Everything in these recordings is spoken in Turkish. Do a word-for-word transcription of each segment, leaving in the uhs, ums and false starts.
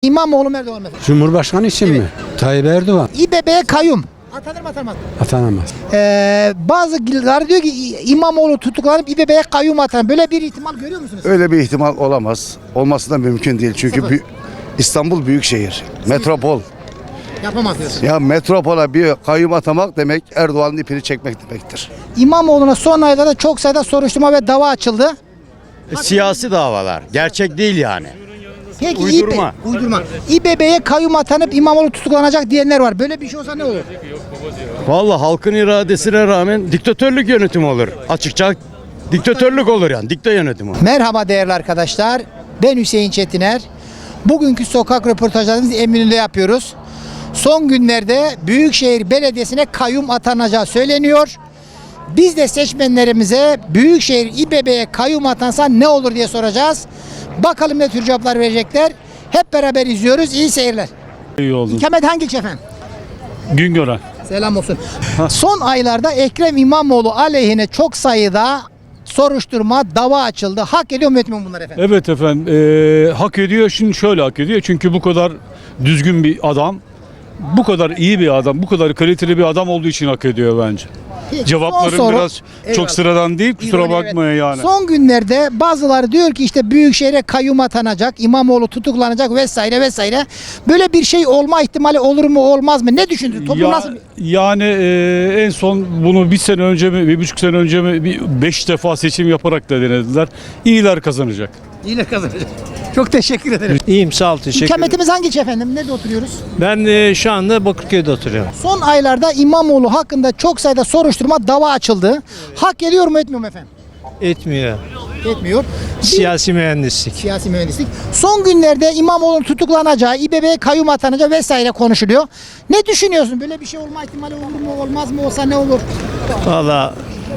İmamoğlu mu Erdoğan mı? Cumhurbaşkanı için mi? Tayyip Erdoğan. İBB'ye kayyum. Atanır mı atanmaz mı? Atanamaz. Ee, bazıları diyor ki İmamoğlu tutuklanıp İBB'ye kayyum atanır. Böyle bir ihtimal görüyor musunuz? Öyle bir ihtimal olamaz. Olması da mümkün değil. Çünkü Sıfır. bü- İstanbul büyük şehir. Metropol. Yapamaz diyorsun. Ya metropola bir kayyum atamak demek Erdoğan'ın ipini çekmek demektir. İmamoğlu'na son aylarda çok sayıda soruşturma ve dava açıldı. E, Siyasi davalar. Gerçek değil yani. Peki Uydurma. İB uydurma. İBB'ye kayyum atanıp İmamoğlu tutuklanacak diyenler var. Böyle bir şey olsa ne olur? Vallahi halkın iradesine rağmen diktatörlük yönetimi olur. Açıkça diktatörlük olur yani. Dikta yönetimi. Merhaba değerli arkadaşlar. Ben Hüseyin Çetiner. Bugünkü sokak röportajlarımızı Eminönü'nde yapıyoruz. Son günlerde Büyükşehir Belediyesi'ne kayyum atanacağı söyleniyor. Biz de seçmenlerimize Büyükşehir İBB'ye kayyum atansa ne olur diye soracağız. Bakalım ne tür cevaplar verecekler. Hep beraber izliyoruz. İyi seyirler. İyi oldu. İkamet hangi ilçe efendim? Güngören. Selam olsun. Son aylarda Ekrem İmamoğlu aleyhine çok sayıda soruşturma, dava açıldı. Hak ediyor mu etmiyor mu bunlar efendim? Evet efendim. eee, hak ediyor. Şimdi şöyle hak ediyor. Çünkü bu kadar düzgün bir adam, bu kadar iyi bir adam, bu kadar kaliteli bir adam olduğu için hak ediyor bence. Peki, Cevaplarım son soru- biraz Eyvallah. çok sıradan değil. Kusura İroni, evet. bakmayın yani. Son günlerde bazıları diyor ki işte Büyükşehir'e kayyum atanacak, İmamoğlu tutuklanacak vesaire vesaire. Böyle bir şey olma ihtimali olur mu olmaz mı? Ne düşündün? Toplum Ya- nasıl? Yani eee, en son bunu bir sene önce mi, bir buçuk sene önce mi bir beş defa seçim yaparak da denediler. İyiler kazanacak. Yine kazanacak. Çok teşekkür ederim. İyiyim sağ ol teşekkür ederim. İkametimiz hangi ilçe efendim? Nerede oturuyoruz? Ben e, şu anda Bakırköy'de oturuyorum. Son aylarda İmamoğlu hakkında çok sayıda soruşturma, dava açıldı. Hak ediyor mu etmiyor mu efendim? Etmiyor. Etmiyor. Bir- Siyasi mühendislik. Siyasi mühendislik. Son günlerde İmamoğlu'nun tutuklanacağı, İBB'ye kayyum atanacağı vesaire konuşuluyor. Ne düşünüyorsun? Böyle bir şey olma ihtimali olur mu, olmaz mı? Olsa ne olur? Valla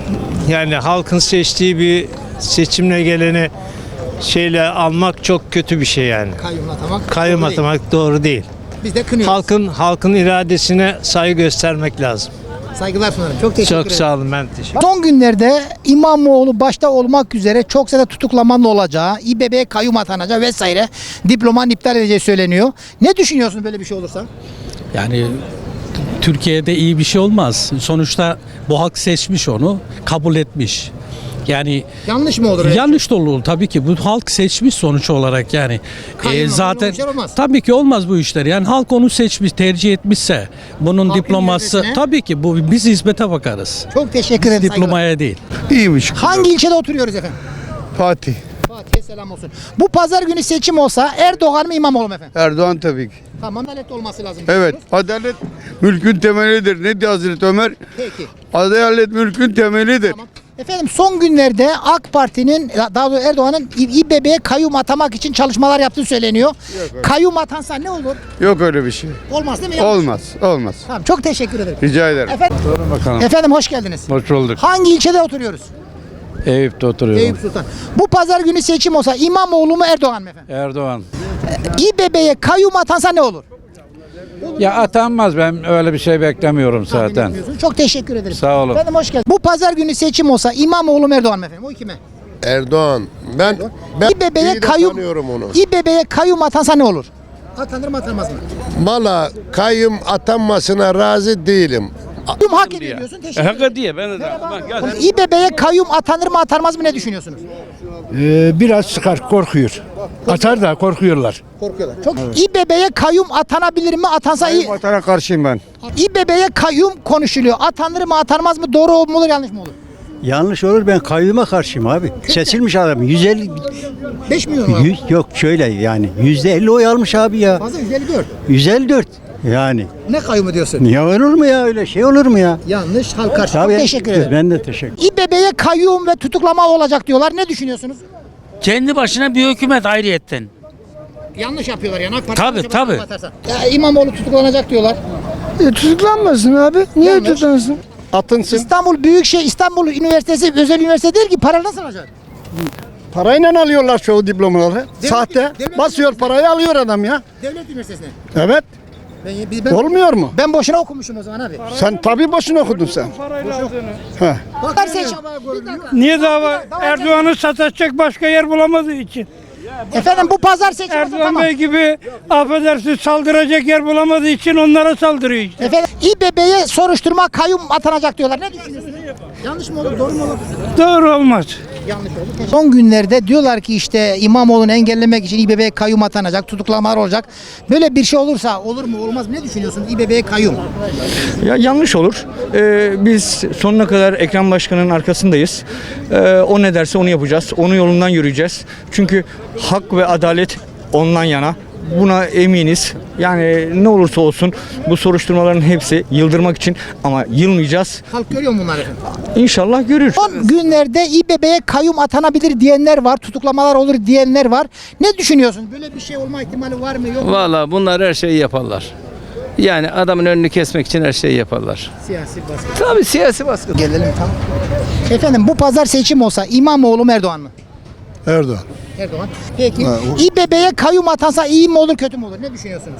yani halkın seçtiği bir seçimle geleni şeyle almak çok kötü bir şey yani. Kayyum atamak. Kayyum doğru değil. atamak doğru değil. Biz de kınıyoruz. Halkın halkın iradesine saygı göstermek lazım. Saygılar sunarım. Çok teşekkür Çok ederim. sağ olun ben teşekkür Son günlerde İmamoğlu başta olmak üzere çok sayıda tutuklamanın olacağı, İBB'ye kayyum atanacağı vesaire diplomanın iptal edeceği söyleniyor. Ne düşünüyorsun böyle bir şey olursa? Yani Türkiye'de iyi bir şey olmaz. Sonuçta bu halk seçmiş onu, kabul etmiş. Yani Yanlış mı olur? yanlış da olur tabii ki. Bu halk seçmiş sonuç olarak yani. Kayyum Ee, zaten olmayan olmaz. tabii ki olmaz bu işler. Yani halk onu seçmiş, tercih etmişse bunun Halkın diploması iradesine- tabii ki bu biz hizmete bakarız. Çok teşekkür ederim. saygılar. Diplomaya değil. İyiymiş. Hangi ilçede oturuyoruz efendim? Fatih. Fatih'e selam olsun. Bu pazar günü seçim olsa Erdoğan mı İmamoğlu mu efendim? Erdoğan tabii ki. Tamam, adalet olması lazım. Evet. diyorsunuz. Adalet mülkün temelidir. Ne diyor Hazreti Ömer? Peki. Adalet mülkün temelidir. Tamam. Efendim son günlerde AK Parti'nin, daha doğrusu Erdoğan'ın İBB'ye kayyum atamak için çalışmalar yaptığı söyleniyor. Kayyum atansa ne olur? Yok öyle bir şey. Olmaz değil mi? Yanlış. Olmaz. Olmaz. Tamam, çok teşekkür ederim. Rica ederim. Efendim, Bakalım. efendim hoş geldiniz. Hoş bulduk. Hangi ilçede oturuyoruz? Eyüp'te oturuyorum. Eyüp Sultan. Bu pazar günü seçim olsa İmamoğlu mu Erdoğan mı efendim? Erdoğan. İBB'ye kayyum atansa ne olur? Ya atanmaz, ben öyle bir şey beklemiyorum Tahmin zaten. etmiyorsun. Çok teşekkür ederim. Sağ olun. Efendim hoş geldiniz. Bu pazar günü seçim olsa İmamoğlu mu Erdoğan mı efendim? O kime? Erdoğan. Ben ben İBB'ye iyi de kayyum, tanıyorum onu. İBB'ye kayyum atansa ne olur? Atanır mı atanmaz mı? Valla kayyum atanmasına razı değilim. Kayyum hak ediyor diyorsun. Teşekkür ederim. diye ben de. İBB'ye kayyum atanır mı atanmaz mı ne düşünüyorsunuz? Ee, biraz çıkar, korkuyor. Atar da korkuyorlar. Korkuyorlar. Çok İBB'ye kayyum atanabilir mi? Atansa iyi. Vatana karşıyım ben. İBB'ye kayyum konuşuluyor. Atanır mı atanmaz mı? Doğru mu olur yanlış mı olur? Yanlış olur, ben kayyuma karşıyım abi. Seçilmiş adam yüz elli beş milyon var. yüz, yok şöyle yani yüzde elli oy almış abi ya. Fazla yüz elli dört. yüz elli dört yani. Ne kayyumu diyorsun? Niye olur mu ya, öyle şey olur mu ya? Yanlış. Halk karşı. Çok Tabii, teşekkür ederim. ben de teşekkür. İBB'ye kayyum ve tutuklama olacak diyorlar. Ne düşünüyorsunuz? Kendi başına bir hükümet ayrıyetten. Yanlış yapıyorlar yani. AK Parti Tabii, yanlış tabii. yapıyor, atarsa. Ya İmamoğlu tutuklanacak diyorlar. E, tutuklanmasın abi. Niye Yanlış. tutuklansın? Atınsın. İstanbul Büyükşehir İstanbul Üniversitesi özel üniversite değil ki para nasıl alacak? Parayla alıyorlar çoğu diplomaları. Sahte. devlet Basıyor parayı alıyor adam ya. Devlet üniversitesine. Evet. Ben, biz- ben, Olmuyor mu? ben boşuna okumuşum o zaman abi. Sen tabii boşuna okudun sen. Bakar seç. Niye dava? Erdoğan'ı sataşacak başka yer bulamadığı için. Efendim bu pazar seçimi Erdoğan tamam. Bey gibi affedersin saldıracak yer bulamadığı için onlara saldırıyor işte. Efendim İBB'ye soruşturma kayyum atanacak diyorlar. Ne düşünüyorsunuz? Yanlış mı olur, doğru mu olur? Doğru olmaz. Yanlış oldu. Son günlerde diyorlar ki işte İmamoğlu'nu engellemek için İBB'ye kayyum atanacak, tutuklamalar olacak. Böyle bir şey olursa olur mu olmaz mı? Ne düşünüyorsun İBB'ye kayyum? Ya yanlış olur. Ee, biz sonuna kadar Ekrem Başkan'ın arkasındayız. Ee, o ne derse onu yapacağız. Onun yolundan yürüyeceğiz. Çünkü hak ve adalet ondan yana. Buna eminiz. Yani ne olursa olsun bu soruşturmaların hepsi yıldırmak için ama yılmayacağız. Halk görüyor mu bunları efendim? İnşallah görür. Son günlerde İBB'ye kayyum atanabilir diyenler var, tutuklamalar olur diyenler var. Ne düşünüyorsun? Böyle bir şey olma ihtimali var mı yok mu? Valla bunlar her şeyi yaparlar. Yani adamın önünü kesmek için her şeyi yaparlar. Siyasi baskı. Tabii siyasi baskı. Gelelim tamam. Efendim bu pazar seçim olsa İmamoğlu mu Erdoğan mı? Erdoğan. Erdoğan. Peki İBB'ye kayyum atansa iyi mi olur kötü mü olur? Ne düşünüyorsunuz?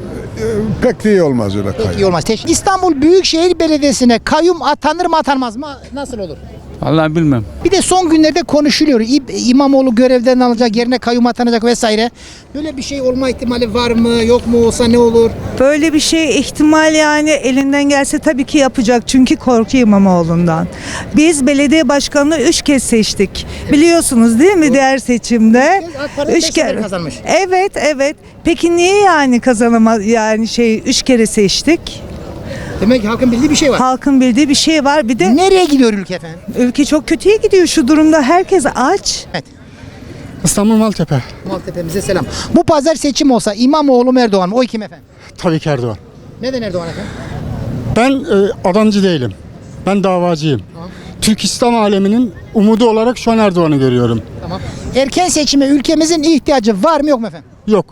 Pek de iyi olmaz öyle Peki iyi olmaz. Teşekkür. İstanbul Büyükşehir Belediyesi'ne kayyum atanır mı atanmaz mı? Nasıl olur? Vallahi bilmem. Bir de son günlerde konuşuluyor. İ- İmamoğlu görevden alacak, yerine kayyum atanacak vesaire. Böyle bir şey olma ihtimali var mı? Yok mu? Olsa ne olur? Böyle bir şey ihtimal yani elinden gelse tabii ki yapacak. Çünkü korkuyor İmamoğlu'ndan. Biz belediye başkanını üç kez seçtik. Biliyorsunuz değil mi diğer seçimde? AK Parti beş sefer kazanmış. Evet, evet. Peki niye yani kazanamaz yani şey üç kere seçtik? Demek ki halkın bildiği bir şey var. Halkın bildiği bir şey var. Bir de Nereye gidiyor ülke efendim? ülke çok kötüye gidiyor şu durumda. Herkes aç. İstanbul Maltepe. Maltepe'mize selam. Bu pazar seçim olsa İmamoğlu mu Erdoğan mı? Oy kim efendim? Tabii ki Erdoğan. Neden Erdoğan efendim? Ben e, adamcı değilim. Ben davacıyım. Türk İslam aleminin umudu olarak şu an Erdoğan'ı görüyorum. Tamam. Erken seçime ülkemizin ihtiyacı var mı yok mu efendim? Yok.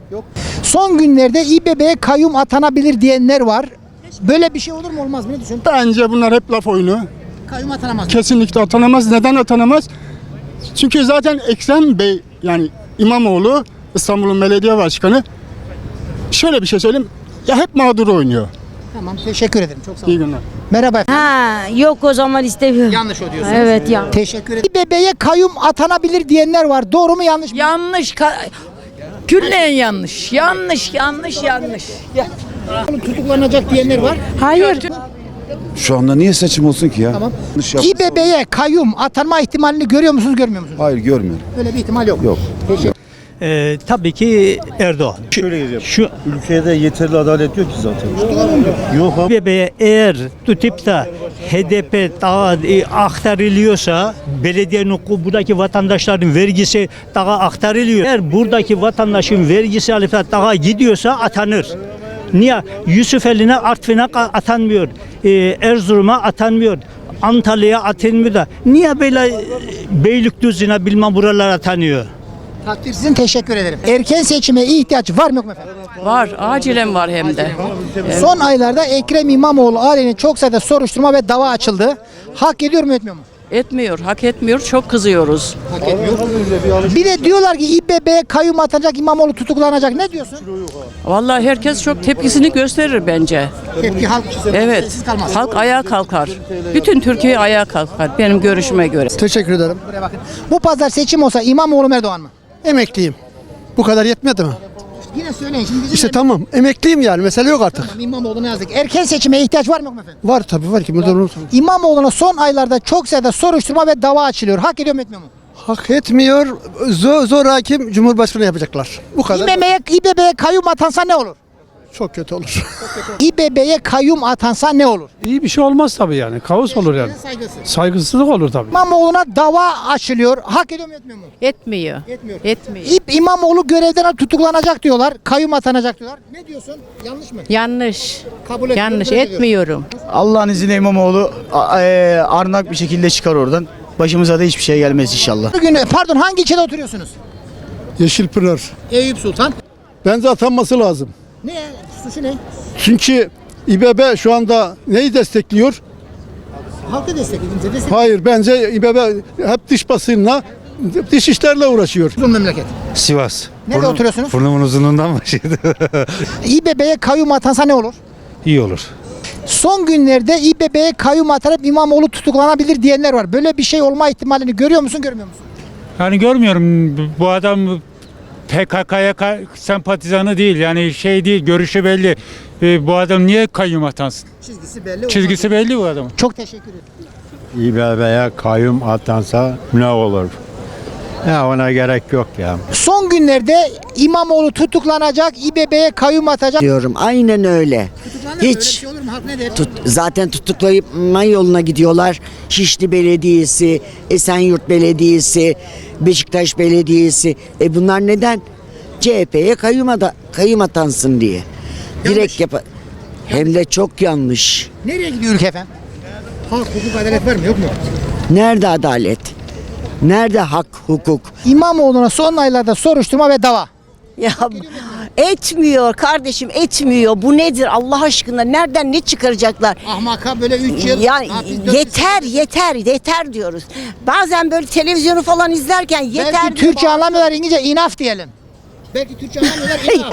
Son günlerde İBB'ye kayyum atanabilir diyenler var. Böyle bir şey olur mu olmaz mı? Ne düşünüyorsun? Bence bunlar hep laf oyunu. Kayyum atanamaz mı? Kesinlikle atanamaz. Neden atanamaz? Çünkü zaten Ekrem Bey yani İmamoğlu İstanbul'un belediye başkanı şöyle bir şey söyleyeyim. Ya hep mağdur oynuyor. Tamam teşekkür ederim. Çok sağ olun. İyi günler. Merhaba efendim. Ha yok o zaman istemiyorum. Yanlış o diyorsunuz. Evet ya. Teşekkür ederim. İBB'ye kayyum atanabilir diyenler var. Doğru mu yanlış mı? Yanlış. Küllen yanlış. Yanlış, yanlış, yanlış. Tutuklanacak diyenler var. Hayır. Şu anda niye seçim olsun ki ya? Tamam. İBB'ye kayyum atanma ihtimalini görüyor musunuz görmüyor musunuz? Hayır görmüyorum. Böyle bir ihtimal yok. Yok. Teşekkür. Ee, tabii ki Erdoğan. Şöyle diyeceğim. Şu Ülkede yeterli adalet yok ki zaten. Yok abi. İBB'ye eğer tutup da H D P daha e, aktarılıyorsa belediyenin buradaki vatandaşların vergisi daha aktarılıyor. Eğer buradaki vatandaşın vergisi alıp da daha gidiyorsa atanır. Niye? Yusufeli'ne Artvin'e atanmıyor. Ee, Erzurum'a atanmıyor. Antalya'ya atanmıyor da. Niye böyle e, Beylikdüzü'ne bilmem buralara atanıyor? Takdir sizin teşekkür ederim. Erken seçime ihtiyaç var mı yok mu efendim? Var, acilen var hem de. Son aylarda Ekrem İmamoğlu aleyhine çok sayıda soruşturma ve dava açıldı. Hak ediyor mu etmiyor mu? Etmiyor, hak etmiyor. Çok kızıyoruz. Hak etmiyor. Bir de diyorlar ki İBB'ye kayyum atanacak İmamoğlu tutuklanacak. Ne diyorsun? Vallahi herkes çok tepkisini gösterir bence. Tepki halk Evet. sessiz kalmaz. Halk ayağa kalkar. Bütün Türkiye ayağa kalkar benim görüşüme göre. Teşekkür ederim. Buraya bakın. Bu pazar seçim olsa İmamoğlu mu Erdoğan mı? Emekliyim. Bu kadar yetmedi mi? Yine söyleyin şimdi. İşte tamam. Emekliyim yani. Mesele yok artık. Tamam, İmamoğlu'na yazdık. Erken seçime ihtiyaç var mı yok mu efendim? Var tabii var ki. İmamoğlu'na son aylarda çok sayıda soruşturma ve dava açılıyor. Hak ediyor mu etmiyor mu? Hak etmiyor. Zor, zor hakim Cumhurbaşkanı yapacaklar. Bu kadar. İBB'ye İBB'ye kayyum atansa ne olur? Çok kötü olur. İBB'ye kayyum atansa ne olur? İyi bir şey olmaz tabii yani. Kaos olur yani. Saygısız. Saygısızlık olur tabii. İmamoğlu'na dava açılıyor. Hak ediyor mu etmiyor mu? Etmiyor. Etmiyor. Etmiyor. İp İmamoğlu görevden tutuklanacak diyorlar. Kayyum atanacak diyorlar. Ne diyorsun? Yanlış mı? Yanlış. Kabul ediyorum. Yanlış reddediyorum. etmiyorum. Allah'ın izniyle İmamoğlu arnak bir şekilde çıkar oradan. Başımıza da hiçbir şey gelmez inşallah. Bugün pardon hangi ilçede oturuyorsunuz? Yeşilpınar. Eyüp Sultan. Bence atanması lazım. Ne? Suçu ne? Çünkü İBB şu anda neyi destekliyor? Halkı destekledim. Destek. Hayır bence İBB hep dış basınla, dış işlerle uğraşıyor. Uzun memleket. Sivas. Nerede oturuyorsunuz? Burnumun uzunluğundan başladı. İBB'ye kayyum atansa ne olur? İyi olur. Son günlerde İBB'ye kayyum atanıp İmamoğlu tutuklanabilir diyenler var. Böyle bir şey olma ihtimalini görüyor musun, görmüyor musun? Yani görmüyorum bu adam P K K'ya sempatizanı değil. Yani şey değil, görüşü belli. Ee, bu adam niye kayyum atansın? Çizgisi belli. Çizgisi belli bu adamın. Çok teşekkür ederim. İBB'ye kayyum atansa ne olur? Ya ona gerek yok ya. Son günlerde İmamoğlu tutuklanacak, İBB'ye kayyum atacak. Diyorum aynen öyle. Tutuklanır mı? Hiç. Öyle bir şey olur mu? Halk ne der? Tut, zaten tutuklayma yoluna gidiyorlar. Şişli Belediyesi, Esenyurt Belediyesi, Beşiktaş Belediyesi. E bunlar neden? C H P'ye kayyum, ada, kayyum atansın diye. Direkt yap. Hem de çok yanlış. Nereye gidiyor ülke efendim? Hak, hukuk, adalet var mı yok mu? Nerede adalet? Nerede hak, hukuk? İmamoğlu'na son aylarda soruşturma ve dava. Ya etmiyor kardeşim, etmiyor. Bu nedir Allah aşkına? Nereden ne çıkaracaklar? Ahmaka böyle üç yıl. Ya hapis, dört yeter yeter yeter diyoruz. Bazen böyle televizyonu falan izlerken yeter Belki diyor. Türkçe anlamıyorlar, İngilizce enough diyelim. Belki Türkçe anlamıyorlar, enough.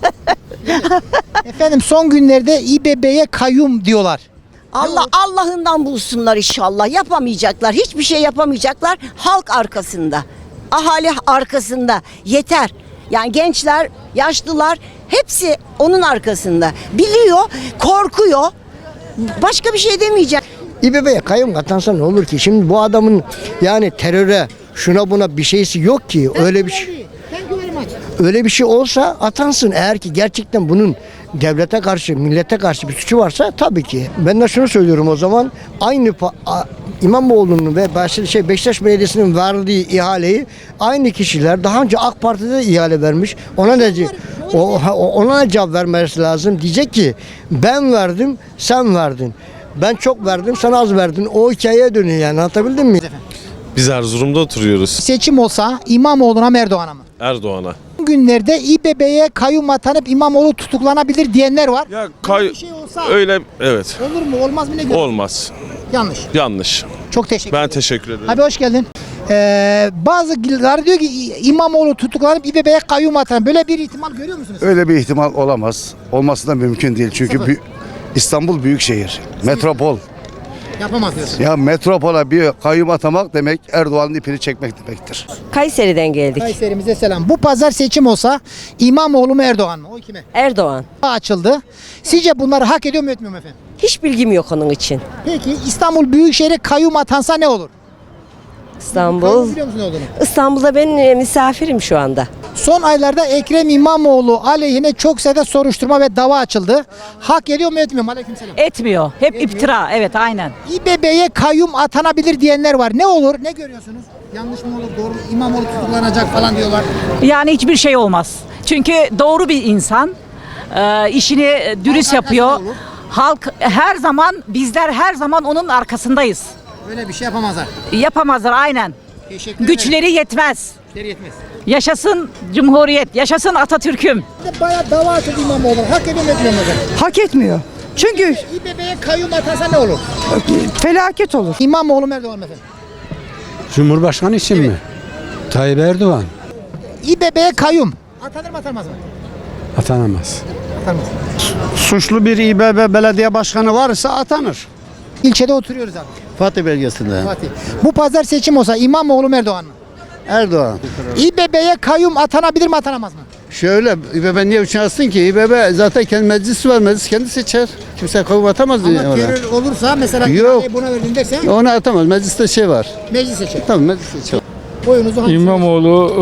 Evet. Efendim son günlerde İBB'ye kayyum diyorlar. Allah Allah'ından bulsunlar inşallah. Yapamayacaklar. Hiçbir şey yapamayacaklar. Halk arkasında. Ahali arkasında. Yeter. Yani gençler, yaşlılar hepsi onun arkasında. Biliyor, korkuyor. Başka bir şey demeyecek. İBB'ye kayyum atansa ne olur ki? Şimdi bu adamın yani teröre, şuna buna bir şeysi yok ki. Öyle bir şey. Öyle bir şey olsa atansın. Eğer ki gerçekten bunun devlete karşı, millete karşı bir suçu varsa tabii ki. Ben de şunu söylüyorum o zaman. Aynı pa- a- İmamoğlu'nun ve Beşiktaş, şey, Beşiktaş Belediyesi'nin verdiği ihaleyi aynı kişiler daha önce AK Parti'de de ihale vermiş. Ona ne o, ona ne cevap vermesi lazım? Diyecek ki ben verdim, sen verdin. Ben çok verdim, sen az verdin. O hikayeye dönüyor yani. Anlatabildim mi? Biz Erzurum'da oturuyoruz. Seçim olsa İmamoğlu'na mı Erdoğan'a mı? Erdoğan'a. Günlerde İBB'ye kayyum atanıp İmamoğlu tutuklanabilir diyenler var. Ya kay bir şey olsa öyle evet. olur mu olmaz mı ne diyorsun? Olmaz. Yanlış. Yanlış. Çok teşekkür Ben ederim. teşekkür ederim. Abi hoş geldin. Ee, bazıları diyor ki İmamoğlu tutuklanıp İBB'ye kayyum atan. Böyle bir ihtimal görüyor musunuz? Öyle bir ihtimal olamaz. Olması da mümkün değil. Çünkü Sıfır. bü- İstanbul büyük şehir. Metropol. Yapamaz diyorsun. Ya metropola bir kayyum atamak demek Erdoğan'ın ipini çekmek demektir. Kayseri'den geldik. Kayseri'mize selam. Bu pazar seçim olsa İmamoğlu mu Erdoğan mı? O kime? Erdoğan. Açıldı. Sizce bunları hak ediyor mu etmiyor mu efendim? Hiç bilgim yok onun için. Peki İstanbul Büyükşehir'e kayyum atansa ne olur? İstanbul. Kayyum biliyor musun ne olduğunu? İstanbul'da ben e, misafirim şu anda. Son aylarda Ekrem İmamoğlu aleyhine çok sayıda soruşturma ve dava açıldı. Hak ediyor mu etmiyor mu? Aleykümselam. Etmiyor. Hep iftira. Evet aynen. İBB'ye kayyum atanabilir diyenler var. Ne olur? Ne görüyorsunuz? Yanlış mı olur? Doğru mu? İmamoğlu tutuklanacak falan diyorlar. Yani hiçbir şey olmaz. Çünkü doğru bir insan. e, işini dürüst yapıyor. Halk her zaman, bizler her zaman onun arkasındayız. Öyle bir şey yapamazlar. Yapamazlar aynen. Teşekkür Güçleri yetmez. Güçleri yetmez. Yaşasın Cumhuriyet, yaşasın Atatürk'üm. Bayağı dava açıldı İmamoğlu. Hak ediyor mu etmiyor mu efendim? Hak etmiyor. Çünkü İBB'ye kayyum atansa ne olur? felaket olur. İmamoğlu mu Erdoğan mı efendim? Cumhurbaşkanı için mi? Tayyip Erdoğan İBB'ye kayyum. Atanır mı atanmaz mı? atanamaz. Atanmaz. Suçlu bir İBB belediye başkanı varsa atanır. İlçede oturuyoruz abi. Fatih belgesinde. Fatih. Bu pazar seçim olsa İmamoğlu mu Erdoğan mı? Erdoğan. İBB'ye kayyum atanabilir mi atanamaz mı? Şöyle İBB niye uçarsın ki? İBB zaten kendi meclisi var. Meclis kendi seçer. Kimse kayyum atamaz diye Ama ona. terör olursa mesela Yok. ihaleyi buna verdin derse Ona atamaz. Mecliste şey var. meclis seçer. Tamam meclis seçer. Oyunuzu hangisine? İmamoğlu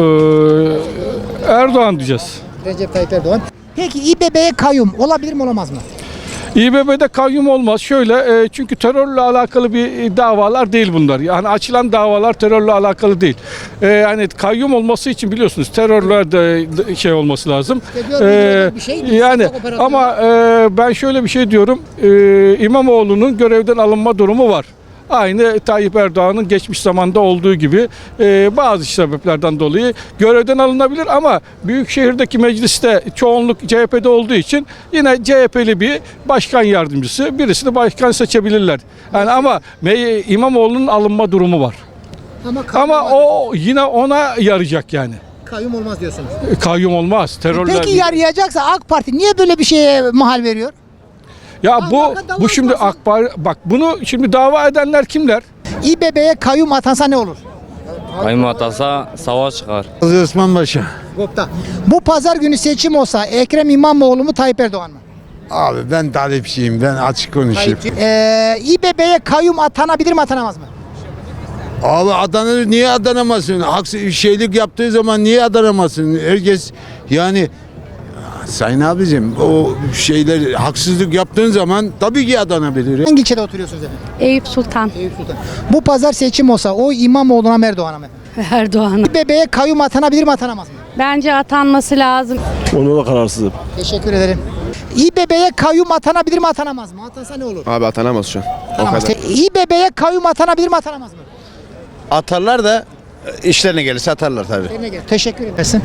e, Erdoğan diyeceğiz. Recep Tayyip Erdoğan. Peki İBB'ye kayyum olabilir mi olamaz mı? İBB'de kayyum olmaz. Şöyle e, çünkü terörle alakalı bir e, davalar değil bunlar. Yani açılan davalar terörle alakalı değil. E, yani kayyum olması için biliyorsunuz terörle de de şey olması lazım. İşte görmüyorlar bir şey, bir yani sokak operasyonu. ama e, ben şöyle bir şey diyorum. E, İmamoğlu'nun görevden alınma durumu var. Aynı Tayyip Erdoğan'ın geçmiş zamanda olduğu gibi e, bazı sebeplerden dolayı görevden alınabilir ama Büyükşehir'deki mecliste çoğunluk C H P'de olduğu için yine C H P'li bir başkan yardımcısı birisini başkan seçebilirler. Yani ama Me- İmamoğlu'nun alınma durumu var. Ama, kayyum Ama olmaz. o yine ona yarayacak yani. Kayyum olmaz diyorsunuz. E, Kayyum olmaz. Terörle. Peki yarayacaksa AK Parti niye böyle bir şeye mahal veriyor? Ya Allah bu Allah bu şimdi olmasın. AK Parti bak bunu şimdi dava edenler kimler? İBB'ye kayyum atansa ne olur? Kayyum atasa savaş çıkar. Osmanbaşı. Bu pazar günü seçim olsa Ekrem İmamoğlu mu Tayyip Erdoğan mı? Abi ben talipçiyim. Ben açık konuşayım. Ee, İBB'ye kayyum atanabilir mi atanamaz mı? Abi adanır niye adanamazsın? Haksız şeylik yaptığı zaman niye adanamazsın? Herkes yani Sayın abicim o şeyler haksızlık yaptığın zaman tabii ki adanabilir. Hangi ilçede oturuyorsunuz efendim? Eyüp Sultan. Eyüp Sultan. Bu pazar seçim olsa o İmamoğlu'na mı Erdoğan'a mı? Erdoğan. İBB'ye kayyum atanabilir mi atanamaz mı? Bence atanması lazım. Onu da kararsızım. Teşekkür ederim. İBB'ye kayyum atanabilir mi atanamaz mı? Atansa ne olur? Abi atanamaz şu an. Atanamaz. İBB'ye kayyum atanabilir mi atanamaz mı? Atarlar da işlerine gelirse atarlar tabii. Teşekkür edersin.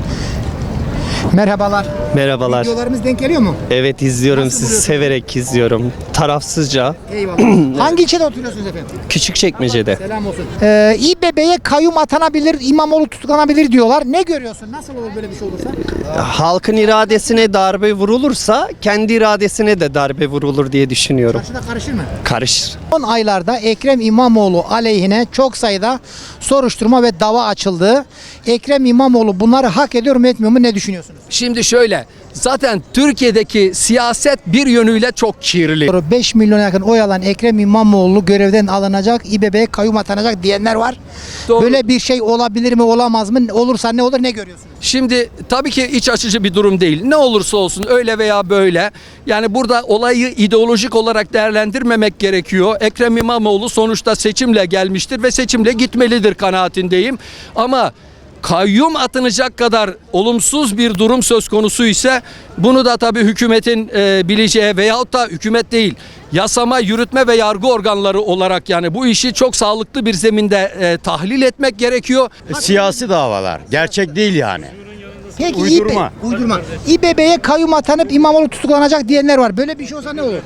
Merhabalar. Merhabalar. Videolarımız denk geliyor mu? Evet izliyorum Nasıl sizi buluyorsun? severek izliyorum. Tarafsızca. Eyvallah. Hangi ilçede oturuyorsunuz efendim? Küçükçekmece'de. Selam olsun. Ee, İBB'ye kayyum atanabilir, İmamoğlu tutuklanabilir diyorlar. Ne görüyorsun? Nasıl olur böyle bir şey olursa? Halkın iradesine darbe vurulursa kendi iradesine de darbe vurulur diye düşünüyorum. Karşıda karışır mı? Karışır. Son aylarda Ekrem İmamoğlu aleyhine çok sayıda soruşturma ve dava açıldı. Ekrem İmamoğlu bunları hak ediyor mu etmiyor mu ne düşünüyorsunuz? Şimdi şöyle, zaten Türkiye'deki siyaset bir yönüyle çok kirli. beş milyona yakın oy alan Ekrem İmamoğlu görevden alınacak, İBB'ye kayyum atanacak diyenler var. Doğru. Böyle bir şey olabilir mi, olamaz mı? Olursa ne olur, ne görüyorsunuz? Şimdi tabii ki iç açıcı bir durum değil. Ne olursa olsun öyle veya böyle. Yani burada olayı ideolojik olarak değerlendirmemek gerekiyor. Ekrem İmamoğlu sonuçta seçimle gelmiştir ve seçimle gitmelidir kanaatindeyim. Ama kayyum atanacak kadar olumsuz bir durum söz konusu ise bunu da tabii hükümetin e, bileceği veyahut da hükümet değil yasama, yürütme ve yargı organları olarak yani bu işi çok sağlıklı bir zeminde e, tahlil etmek gerekiyor. Siyasi davalar. Gerçek değil yani. Peki Uydurma. İB, uydurma. İBB'ye kayyum atanıp İmamoğlu tutuklanacak diyenler var. Böyle bir şey olsa ne olur?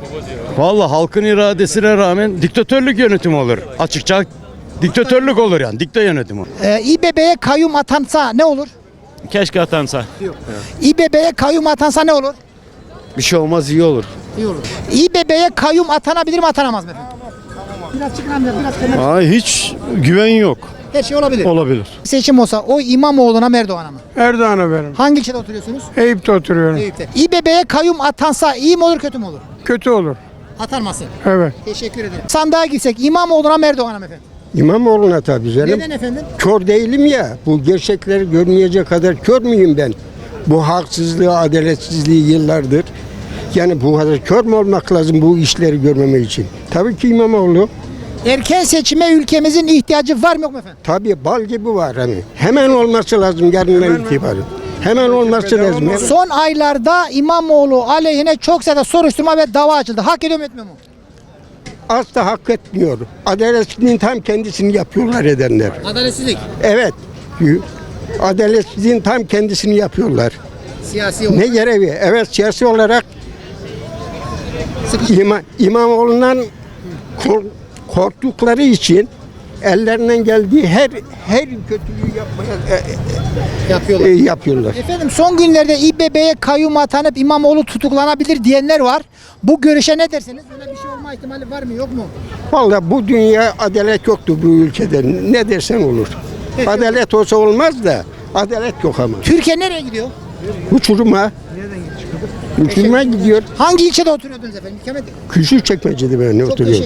Vallahi halkın iradesine rağmen diktatörlük yönetimi olur. Açıkça diktatörlük olur yani. Dikta yönetimi. Ee, İBB'ye kayyum atansa ne olur? Keşke atansa. İBB'ye kayyum atansa ne olur? Bir şey olmaz iyi olur. İyi olur. İBB'ye kayyum atanabilir mi, atanamaz mı efendim? Biraz çıkın amca, biraz kenar. Aa, hiç güven yok. Her şey olabilir. Olabilir. Seçim olsa o İmamoğlu'na mı Erdoğan'a mı? Erdoğan'a verin. Hangi ilçede oturuyorsunuz? Eyüp'te oturuyorum. Eyüp'te. İBB'ye kayyum atansa iyi mi olur, kötü mü olur? Kötü olur. Atanmasın. Evet. Teşekkür ederim. Sandığa gitsek İmamoğlu'na mı Erdoğan'a mı efendim? İmamoğlu'na tabii canım. Neden efendim? Kör değilim ya. Bu gerçekleri görmeyecek kadar kör müyüm ben? Bu haksızlığı, adaletsizliği yıllardır. Yani bu kadar kör mü olmak lazım bu işleri görmeme için? Tabii ki İmamoğlu. Erken seçime ülkemizin ihtiyacı var mı yok mu efendim? Tabii bal gibi var hani. Hemen olması lazım yarından itibaren. Hemen olması lazım. Son aylarda İmamoğlu aleyhine çok sayıda soruşturma ve dava açıldı. Hak ediyor mu etmiyor mu? Asla hak etmiyor. Adaletsizliğin tam kendisini yapıyorlar edenler. Adaletsizlik. Evet. Adaletsizliğin tam kendisini yapıyorlar. Siyasi olarak. Ne görevi? Evet siyasi olarak İma, İmamoğlu'ndan kork, korktukları için ellerinden geldiği her her kötülüğü yapmaya e, yapıyorlar. E, yapıyorlar. Efendim son günlerde İBB'ye kayyum atanıp İmamoğlu tutuklanabilir diyenler var. Bu görüşe ne dersiniz? Öyle bir şey olma ihtimali var mı yok mu? Vallahi bu dünya adalet yoktu bu ülkede. Ne dersen olur. Peki. Adalet olsa olmaz da adalet yok ama. Türkiye nereye gidiyor? Uçuruma. Uçuruma gidiyor. Hangi ilçede oturuyordunuz efendim? İkamet. Küçükçekmece'de ben oturuyorum.